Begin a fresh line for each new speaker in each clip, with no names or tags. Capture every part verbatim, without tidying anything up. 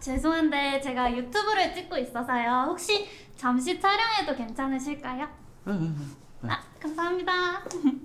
죄송한데 제가 유튜브를 찍고 있어서요. 혹시 잠시 촬영해도 괜찮으실까요? 아, 감사합니다.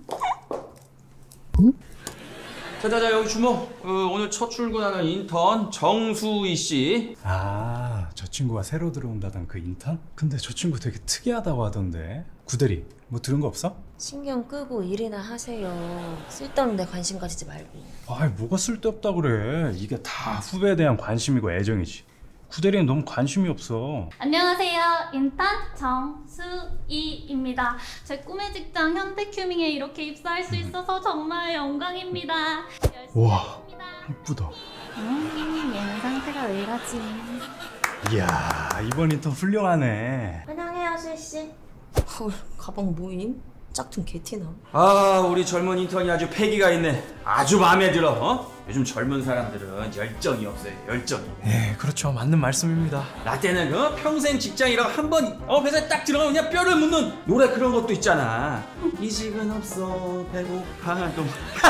자자자 여기 주목. 어, 오늘 첫 출근하는 인턴 정수희 씨.
아, 저 친구가 새로 들어온다던 그 인턴? 근데 저 친구 되게 특이하다고 하던데. 구대리, 뭐 들은 거 없어?
신경 끄고 일이나 하세요. 쓸데없는 데 관심 가지지 말고.
아이, 뭐가 쓸데없다 그래. 이게 다 후배에 대한 관심이고 애정이지. 구대리는 너무 관심이 없어.
안녕하세요. 인턴 정수희입니다. 제 꿈의 직장 현대큐밍에 이렇게 입사할 수 있어서 정말 영광입니다. 열심히
우와,
하겠습니다.
이쁘다.
음, 얘는 상태가 왜 이러지?
이야, 이번 인턴 훌륭하네.
환영해요, 수희씨. 헐, 가방 모임? 짝퉁 개티나.
아 우리 젊은 인턴이 아주 패기가 있네. 아주 마음에 들어. 어? 요즘 젊은 사람들은 열정이 없어요. 열정이.
예, 그렇죠. 맞는 말씀입니다.
나 때는 어? 평생 직장이라고 한번 어, 회사에 딱 들어가면 그냥 뼈를 묻는 노래 그런 것도 있잖아. 이직은 없어 배고파도.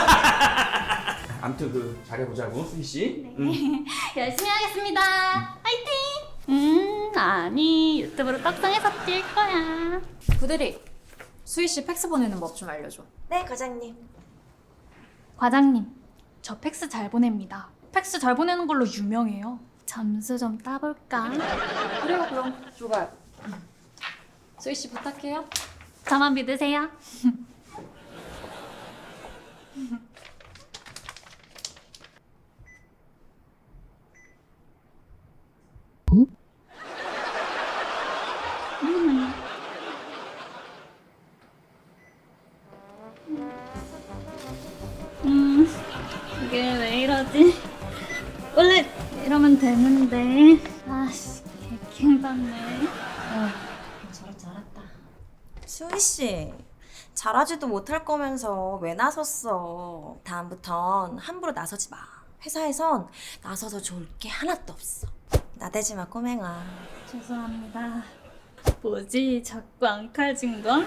아무튼 그 잘해보자고 수희 씨.
네.
응.
열심히 하겠습니다. 화이팅! 음, 아니 유튜브로 떡상해서 뛸 거야.
구대리, 수희 씨 팩스 보내는 법 좀 알려줘.
네, 과장님.
과장님, 저 팩스 잘 보냅니다. 팩스 잘 보내는 걸로 유명해요. 점수 좀 따볼까?
그래요, 그럼 줘봐요. 수희 씨 부탁해요.
저만 믿으세요. 음, 이게 왜 이러지? 원래 이러면 되는데. 아씨, 개킹받네.
저럴 줄 알았다. 수희씨, 잘하지도 못할 거면서 왜 나섰어? 다음부턴 함부로 나서지 마. 회사에선 나서서 좋을 게 하나도 없어. 나대지 마, 꼬맹아.
죄송합니다. 뭐지? 자꾸 안 칼진 건?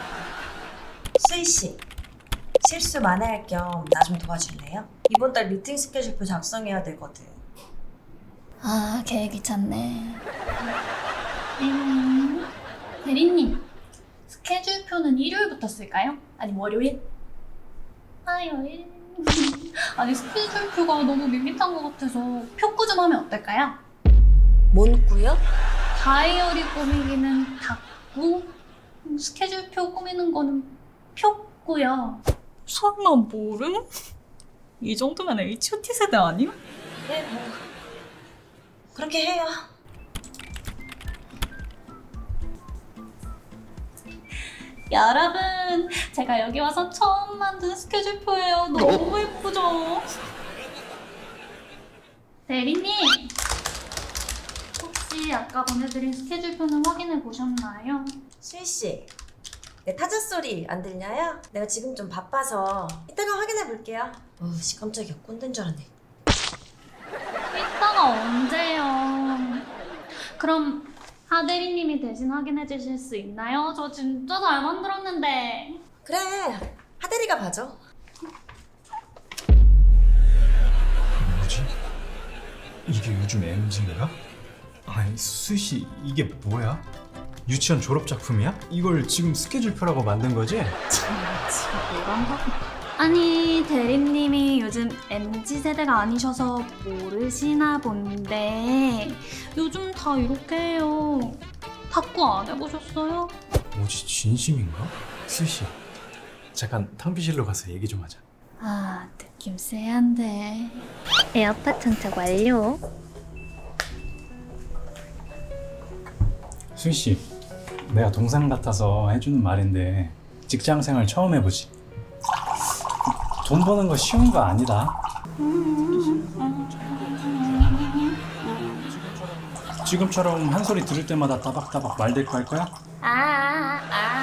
수희씨, 실수 만회할 겸 나 좀 도와줄래요? 이번 달 미팅 스케줄표 작성해야 되거든.
아, 계획이 찼네. 음, 대리님, 스케줄표는 일요일부터 쓸까요? 아니면 월요일? 화요일? 아니, 스케줄표가 너무 밋밋한 것 같아서 표꾸 좀 하면 어떨까요?
뭔 꾸요?
다이어리 꾸미기는 닫고 스케줄표 꾸미는 거는 표고요.
설마 모름? 이 정도면 에이치 오 티 세대 아니야?
네, 뭐 그렇게 해요.
여러분, 제가 여기 와서 처음 만든 스케줄표예요. 너무 예쁘죠? 대리님, 혹시 아까 보내드린 스케줄표는 확인해 보셨나요?
수희씨, 내 타자 소리 안 들려요? 내가 지금 좀 바빠서 이따가 확인해 볼게요. 어씨, 깜짝이야. 꼰대인 줄 알았네.
이따가 언제요? 그럼 하 대리님이 대신 확인해 주실 수 있나요? 저 진짜 잘 만들었는데.
그래, 하대리가 봐줘.
뭐지? 이게 요즘 엠지인가? 아니, 수희씨, 이게 뭐야? 유치원 졸업 작품이야? 이걸 지금 스케줄표라고 만든 거지?
아니, 대리님이 요즘 엠지 세대가 아니셔서 모르시나 본데 요즘 다 이렇게 해요. 탁구 안 해보셨어요?
뭐지, 진심인가? 수희씨, 잠깐 탕비실로 가서 얘기 좀 하자.
아, 느낌 쎄한데. 에어팟 장착 완료.
수희씨, 내가 동생 같아서 해주는 말인데 직장생활 처음 해보지? 돈 버는 거 쉬운 거 아니다. 지금처럼 한 소리 들을 때마다 따박따박 말대꾸 할 거야?
아,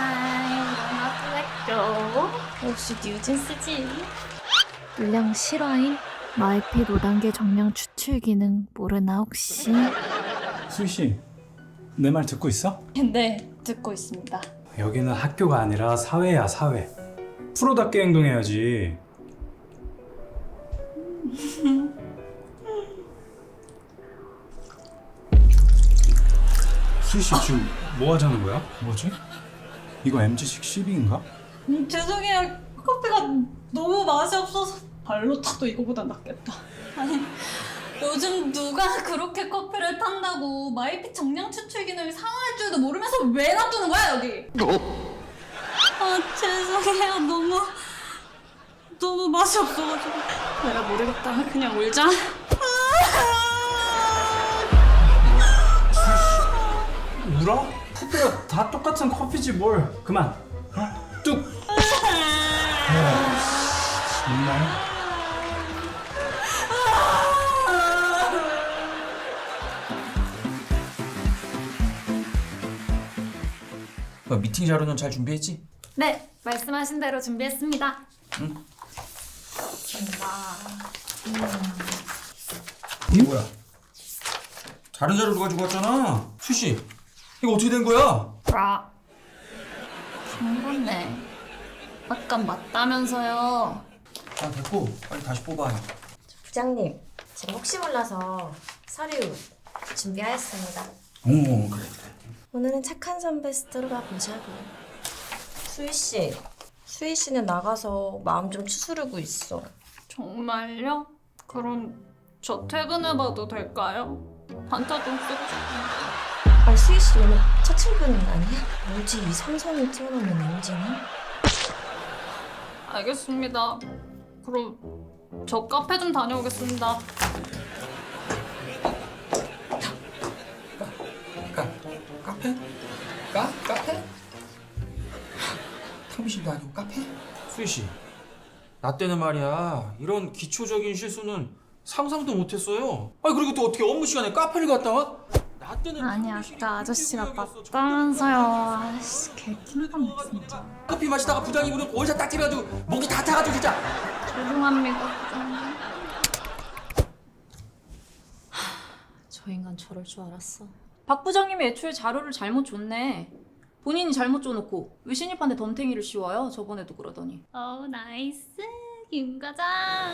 아, 이거 역시 뉴진스지. 물량 실화임? 마이핏 오 단계 정량 추출 기능 모르나 혹시?
수희씨, 내 말 듣고 있어?
네, 듣고 있습니다.
여기는 학교가 아니라 사회야, 사회. 프로답게 행동해야지. 수희씨 지금 뭐 하자는 거야? 뭐지? 이거 엠지식 시비인가?
음, 죄송해요. 커피가 너무 맛이 없어서 발로 타도 이거보다 낫겠다.
아니 요즘 누가 그렇게 커피를 탄다고 마이피 정량 추출 기능이 상할 줄도 모르면서 왜 놔두는 거야 여기? 아 죄송해요. 너무 너무 맛이 없어가지고
내가 모르겠다. 그냥 울자.
울어? 커피가 다 똑같은 커피지 뭘. 그만. 어? 뚝. 정말.
너 미팅 자료는 잘 준비했지?
네 말씀하신 대로 준비했습니다.
이게 뭐야? 다른 자료를 가지고 왔잖아. 수씨, 이거 어떻게 된 거야?
아 상관네. 아까 맞다면서요.
아 됐고 빨리 다시 뽑아요.
부장님, 제가 혹시 몰라서 서류 준비하였습니다.
오 그래 그래.
오늘은 착한 선배 스토리가 보자고. 수희 씨, 수희 씨는 나가서 마음 좀 추스르고 있어.
정말요? 그럼 저 퇴근해봐도 될까요? 반차 좀 쓰고 싶은데.
아, 수희 씨 오늘 첫 출근 아니야? 뭐지 이 삼성이 튀어나오는 엔진이?
알겠습니다. 그럼 저 카페 좀 다녀오겠습니다.
카 카페? 카 카페? 탕비실도 아니고 카페? 수희 씨, 나 때는 말이야 이런 기초적인 실수는 상상도 못했어요. 아 그리고 또 어떻게 업무 시간에 카페를 갔다 와? 나 때는
아니
탕비실이
아까 아저씨가
공기구역이었어.
맞다면서요. 아씨 개킹받네 진짜.
커피 마시다가 부장이 무슨 원샷 딱 찌려가지고 목이 다 타가지고 진짜.
죄송합니다. 부장님.
저 인간 저럴 줄 알았어. 박 부장님이 애초에 자료를 잘못 줬네. 본인이 잘못 줘놓고 왜 신입한테 덤탱이를 씌워요? 저번에도 그러더니.
어 나이스 김 과장.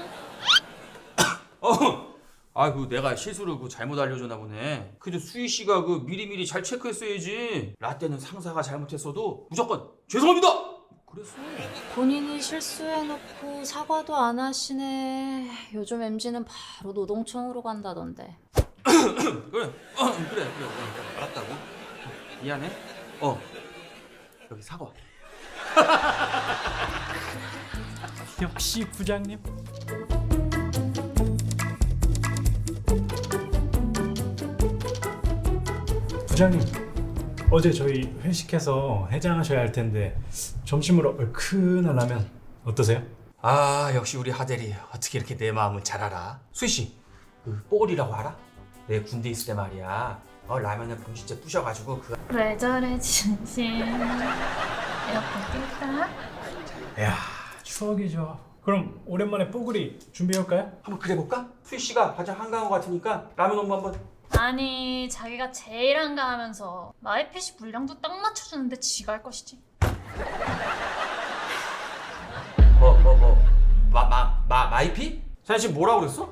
어. 아, 그 내가 실수를 그 잘못 알려줬나 보네. 근데 수희 씨가 그 미리미리 잘 체크했어야지. 라떼는 상사가 잘못했어도 무조건 죄송합니다. 그랬어.
본인이 실수해놓고 사과도 안 하시네. 요즘 엠지는 바로 노동청으로 간다던데.
그래, 어, 그래, 그래, 그래, 그래. 알았다고. 미안해. 어, 여기 사과.
역시 부장님. 부장님, 어제 저희 회식해서 해장하셔야 할 텐데 점심으로 얼큰한 라면 어떠세요?
아, 역시 우리 하대리 어떻게 이렇게 내 마음을 잘 알아? 수희 씨, 그 뽀글이라고 알아? 내 군대 있을 때 말이야. 어, 라면을 봉지째 부셔가지고 그.
왜 저래 진심. 이렇게 낄까?
이야, 추억이죠. 그럼 오랜만에 뽀글이 준비해올까요?
한번 그래볼까? 수희 씨가 가장 한가한 것 같으니까 라면 업무 한번.
아니 자기가 제일 한가하면서 마이핏이 분량도 딱 맞춰주는데 지가 할 것이지.
뭐, 뭐, 뭐, 마, 마, 마, 마이피? 자네 지금 뭐라고 그랬어?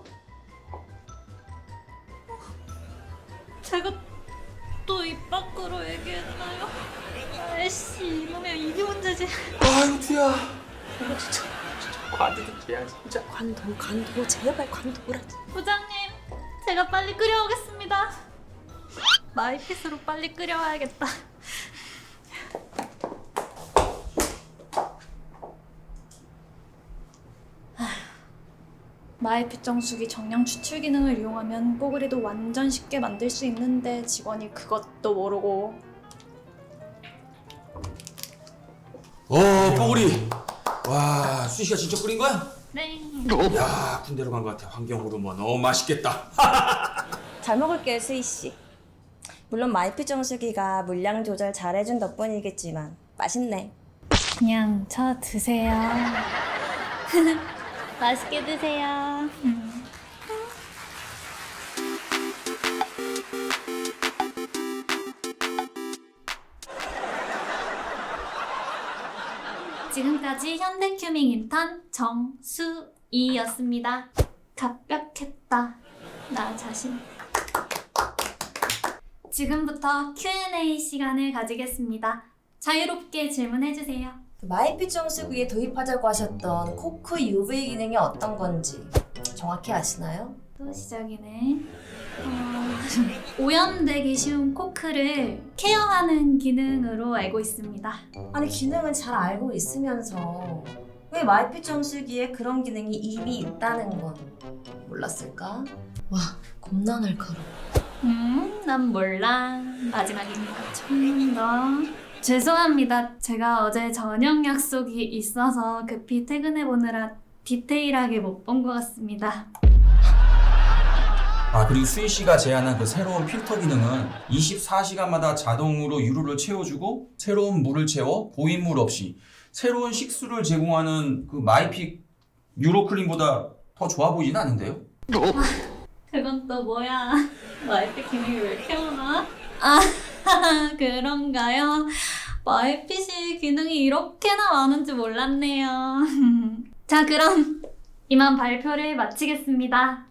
제가 또 입 밖으로 얘기했나요? 아이씨 이놈의 입이 문제지.
아이고, 두야. 이거 진짜, 진짜 관두겠지야, 진짜.
관둬, 관둬, 제발 관둬라.
부장님 제가 빨리 끓여오겠습니다. 마이핏으로 빨리 끓여와야겠다. 마이핏 정수기 정량 추출 기능을 이용하면 뽀글이도 완전 쉽게 만들 수 있는데 직원이 그것도 모르고.
어, 뽀글이. 와, 수희 씨가 진짜 끓인 거야?
네.
야, 군대로 간 것 같아. 환경 호르몬 너무 맛있겠다.
잘 먹을게요, 수희 씨. 물론 마이피 정수기가 물량 조절 잘해준 덕분이겠지만 맛있네.
그냥 저 드세요. 맛있게 드세요. 지금까지 현대큐밍 인턴 정수이였습니다. 갑벽했다. 나 자신. 지금부터 큐 앤 에이 시간을 가지겠습니다. 자유롭게 질문해주세요.
그 마이피 정수기에 도입하자고 하셨던 코크 유브이 기능이 어떤 건지 정확히 아시나요?
또 시작이네. 어, 오염되기 쉬운 코크를 케어하는 기능으로 알고 있습니다.
아니 기능은 잘 알고 있으면서 왜 마이피 정수기에 그런 기능이 이미 있다는 건 몰랐을까? 와 겁나 날카로워.
음, 난 몰라. 마지막이니까 좀 더. 죄송합니다. 제가 어제 저녁 약속이 있어서 급히 퇴근해 보느라 디테일하게 못 본 것 같습니다.
아 그리고 수희 씨가 제안한 그 새로운 필터 기능은 이십사 시간마다 자동으로 유로를 채워주고 새로운 물을 채워 고인물 없이 새로운 식수를 제공하는 그 마이픽 유로클린보다 더 좋아 보이진 않은데요?
그건 또 뭐야? 마이피 기능이 왜 이렇게 많아? 아, 그런가요? 마이핏이 기능이 이렇게나 많은지 몰랐네요. 자, 그럼 이만 발표를 마치겠습니다.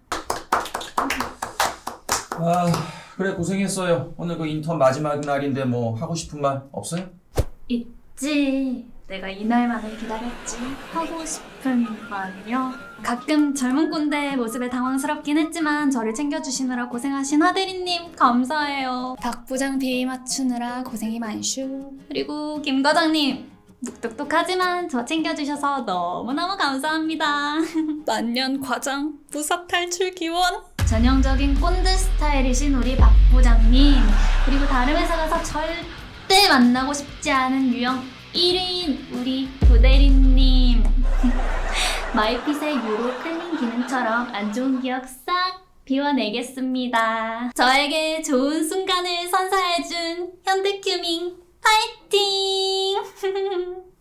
아 그래 고생했어요. 오늘 그 인턴 마지막 날인데 뭐 하고 싶은 말 없어요?
있지. 내가 이날만을 기다렸지. 하고 싶은 말이요? 가끔 젊은 꼰대 모습에 당황스럽긴 했지만 저를 챙겨주시느라 고생하신 하대리님 감사해요. 박 부장 비위 맞추느라 고생이 많슈. 그리고 김 과장님 묵뚝뚝하지만 저 챙겨주셔서 너무너무 감사합니다. 만년 과장 부사 탈출 기원. 전형적인 꼰대 스타일이신 우리 박 부장님, 그리고 다른 회사 가서 절대 만나고 싶지 않은 유형 일 위인 우리 부대리님. 마이핏의 유로 클린 기능처럼 안 좋은 기억 싹 비워내겠습니다. 저에게 좋은 순간을 선사해준 현대큐밍 파이팅!